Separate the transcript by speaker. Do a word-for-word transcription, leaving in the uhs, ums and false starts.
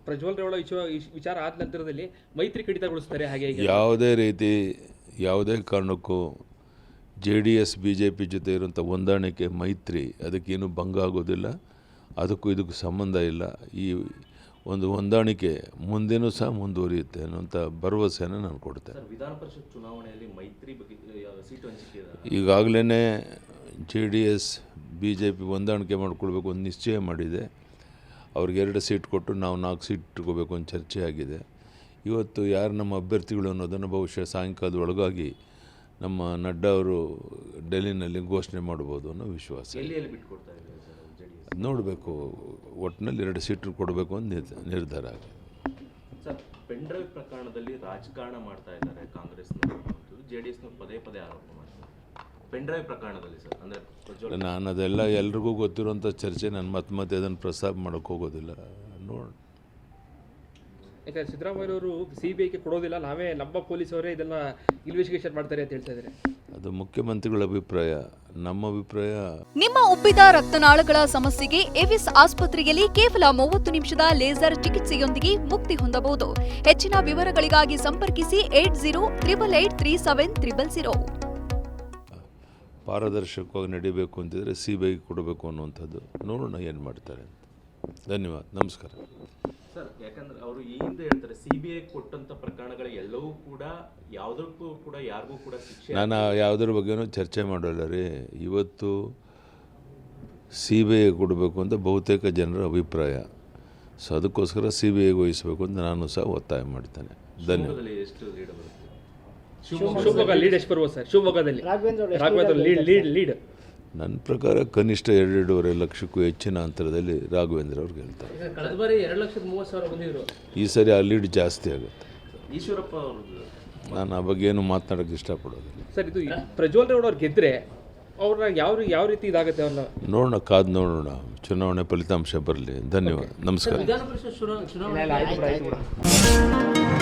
Speaker 1: ಪ್ರಜ್ವಲ್ ರೇವಣ್ಣ ವಿಚಾರ ವಿಚಾರ ಆದ ನಂತರದಲ್ಲಿ ಮೈತ್ರಿ ಕಡಿತಗೊಳಿಸ್ತಾರೆ ಹಾಗೆ ಹೀಗೆ
Speaker 2: ಯಾವುದೇ ರೀತಿ ಯಾವುದೇ ಕಾರಣಕ್ಕೂ J D S B J P ಜೊತೆ ಇರುವಂಥ ಹೊಂದಾಣಿಕೆ ಮೈತ್ರಿ ಅದಕ್ಕೇನು ಭಂಗ ಆಗೋದಿಲ್ಲ, ಅದಕ್ಕೂ ಇದಕ್ಕೂ ಸಂಬಂಧ ಇಲ್ಲ. ಈ ಒಂದು ಹೊಂದಾಣಿಕೆ ಮುಂದೇನೂ ಸಹ ಮುಂದುವರಿಯುತ್ತೆ ಅನ್ನೋಂಥ ಭರವಸೆಯನ್ನು ನಾನು ಕೊಡ್ತೇನೆ.
Speaker 3: ವಿಧಾನ ಪರಿಷತ್ ಚುನಾವಣೆಯಲ್ಲಿ ಮೈತ್ರಿ ಬಗ್ಗೆ ಸೀಟು ಹಂಚಿಕೆ
Speaker 2: ಈಗಾಗಲೇ J D S B J P ಹೊಂದಾಣಿಕೆ ಮಾಡಿಕೊಳ್ಬೇಕು ಅಂತ ನಿಶ್ಚಯ ಮಾಡಿದೆ. ಅವ್ರಿಗೆ ಎರಡು ಸೀಟ್ ಕೊಟ್ಟು ನಾವು ನಾಲ್ಕು ಸೀಟ್ ಇಟ್ಕೋಬೇಕು ಅಂತ ಚರ್ಚೆ ಆಗಿದೆ. ಇವತ್ತು ಯಾರು ನಮ್ಮ ಅಭ್ಯರ್ಥಿಗಳು ಅನ್ನೋದನ್ನು ಬಹುಶಃ ಸಾಯಂಕಾಲದ ಒಳಗಾಗಿ ನಮ್ಮ ನಡ್ಡಾ ಅವರು ಡೆಲ್ಲಿನಲ್ಲಿ ಘೋಷಣೆ ಮಾಡ್ಬೋದು ಅನ್ನೋ ವಿಶ್ವಾಸ. ನೋಡಬೇಕು, ಒಟ್ಟಿನಲ್ಲಿ ಎರಡು ಸೀಟು ಕೊಡಬೇಕು ಅಂತ ನಿರ್ಧಾರ ಆಗಿದೆ.
Speaker 3: ಸರ್, ಪೆನ್ ಡ್ರೈವ್ ಪ್ರಕರಣದಲ್ಲಿ ರಾಜಕಾರಣ ಮಾಡ್ತಾ ಇದ್ದಾರೆ ಕಾಂಗ್ರೆಸ್ನವರು, ಜೆ ಡಿ ಎಸ್ನವರು ಪದೇ ಪದೇ ಆರೋಪ ಮಾಡ್ತಾರೆ ಪೆನ್ ಡ್ರೈವ್ ಪ್ರಕರಣದಲ್ಲಿ. ಸರ್, ಅಂದರೆ
Speaker 2: ನಾನು ಅದೆಲ್ಲ ಎಲ್ರಿಗೂ ಗೊತ್ತಿರುವಂಥ ಚರ್ಚೆ, ನಾನು ಮತ್ತೆ ಮತ್ತೆ ಅದನ್ನು ಪ್ರಸ್ತಾಪ ಮಾಡೋಕ್ಕೆ ಹೋಗೋದಿಲ್ಲ. ನೋಡೋಣ.
Speaker 1: ಯಾಕಂದರೆ ಸಿದ್ದರಾಮಯ್ಯವರು ಸಿ ಬಿ ಐಗೆ ಕೊಡೋದಿಲ್ಲ, ನಾವೇ ನಮ್ಮ ಪೊಲೀಸವರೇ ಇದನ್ನು ಇನ್ವೆಸ್ಟಿಗೇಷನ್ ಮಾಡ್ತಾರೆ ಅಂತ ಹೇಳ್ತಾ ಇದ್ದಾರೆ.
Speaker 2: ಅದು ಮುಖ್ಯಮಂತ್ರಿಗಳ ಅಭಿಪ್ರಾಯ. ನಮ್ಮ ಅಭಿಪ್ರಾಯ,
Speaker 4: ನಿಮ್ಮ ಉಬ್ಬಿದ ರಕ್ತನಾಳಗಳ ಸಮಸ್ಯೆಗೆ ಎವಿಸ್ ಆಸ್ಪತ್ರೆಯಲ್ಲಿ ಕೇವಲ ಮೂವತ್ತು ನಿಮಿಷದ ಲೇಸರ್ ಚಿಕಿತ್ಸೆಯೊಂದಿಗೆ ಮುಕ್ತಿ ಹೊಂದಬಹುದು. ಹೆಚ್ಚಿನ ವಿವರಗಳಿಗಾಗಿ ಸಂಪರ್ಕಿಸಿ eight zero triple eight three seven triple zero.
Speaker 2: ಪಾರದರ್ಶಕವಾಗಿ ನಡೀಬೇಕು ಅಂತಿದ್ರೆ ಸಿ ಬಿ ಐ ಕೊಡಬೇಕು ಅನ್ನುವಂಥದ್ದು. ನೋಡೋಣ ಏನು ಮಾಡ್ತಾರೆ ಅಂತ. ಧನ್ಯವಾದ, ನಮಸ್ಕಾರ.
Speaker 3: ಸರ್, ಯಾಕಂದ್ರೆ ಅವರು ಈ ಹಿಂದೆ ಹೇಳ್ತಾರೆ ಸಿ ಬಿ ಐ ಕೊಟ್ಟಂಥ ಪ್ರಕರಣಗಳು ಎಲ್ಲವೂ ಕೂಡ ಯಾವುದಕ್ಕೂ ಕೂಡ ಯಾರಿಗೂ ಕೂಡ ಶಿಕ್ಷೆ.
Speaker 2: ನಾನು ಯಾವುದ್ರ ಬಗ್ಗೆನೂ ಚರ್ಚೆ ಮಾಡೋಲ್ಲ ರೀ. ಇವತ್ತು ಸಿ ಬಿ ಐ ಕೊಡಬೇಕು ಅಂತ ಬಹುತೇಕ ಜನರ ಅಭಿಪ್ರಾಯ. ಸೊ ಅದಕ್ಕೋಸ್ಕರ ಸಿ ಬಿ ಐಗೆ ವಹಿಸಬೇಕು ಅಂತ ನಾನು ಸಹ ಒತ್ತಾಯ ಮಾಡ್ತೇನೆ. ಧನ್ಯವಾದ.
Speaker 3: ಎಷ್ಟು ಲೀಡ್ ಬರುತ್ತೆ?
Speaker 1: ಶಿವಮೊಗ್ಗ ಲೀಡ್ ಎಷ್ಟು ಬರ್ಬೋದು ಸರ್? ಶಿವಮೊಗ್ಗದಲ್ಲಿ ರಾಘವೇಂದ್ರ ಲೀಡ್ ಲೀಡ್ ಲೀಡ್
Speaker 2: ನನ್ನ ಪ್ರಕಾರ ಕನಿಷ್ಠ ಎರಡೆರಡೂವರೆ ಲಕ್ಷಕ್ಕೂ ಹೆಚ್ಚಿನ ಅಂತರದಲ್ಲಿ ರಾಘವೇಂದ್ರ ಅವ್ರು ಗೆಲ್ತಾರೆ.
Speaker 1: ಕಳೆದ ಬಾರಿ ಎರಡು ಲಕ್ಷದ ಮೂವತ್ತು ಸಾವಿರ ಬಂದಿದ್ರು.
Speaker 2: ಈ ಸರಿ ಆ ಲೀಡ್ ಜಾಸ್ತಿ ಆಗುತ್ತೆ.
Speaker 3: ಈಶ್ವರಪ್ಪ ಅವ್ರದ್ದು
Speaker 2: ನಾನು ಆ ಬಗ್ಗೆ ಏನು ಮಾತನಾಡೋಕ್ಕೆ ಇಷ್ಟಪಡೋದಿಲ್ಲ.
Speaker 1: ಸರ್, ಇದು ಪ್ರಜ್ವಲ್ ರೇವಣ್ಣ ಅವ್ರು ಗೆದ್ದರೆ ಅವ್ರನ್ನ ಯಾವ ಯಾವ ರೀತಿ ಇದಾಗುತ್ತೆ ಅವ್ರನ್ನ
Speaker 2: ನೋಡೋಣ, ಕಾದು ನೋಡೋಣ. ಚುನಾವಣೆ ಫಲಿತಾಂಶ ಬರಲಿ. ಧನ್ಯವಾದ, ನಮಸ್ಕಾರ.
Speaker 1: ವಿಧಾನ ಪರಿಷತ್ ಚುನಾವಣೆ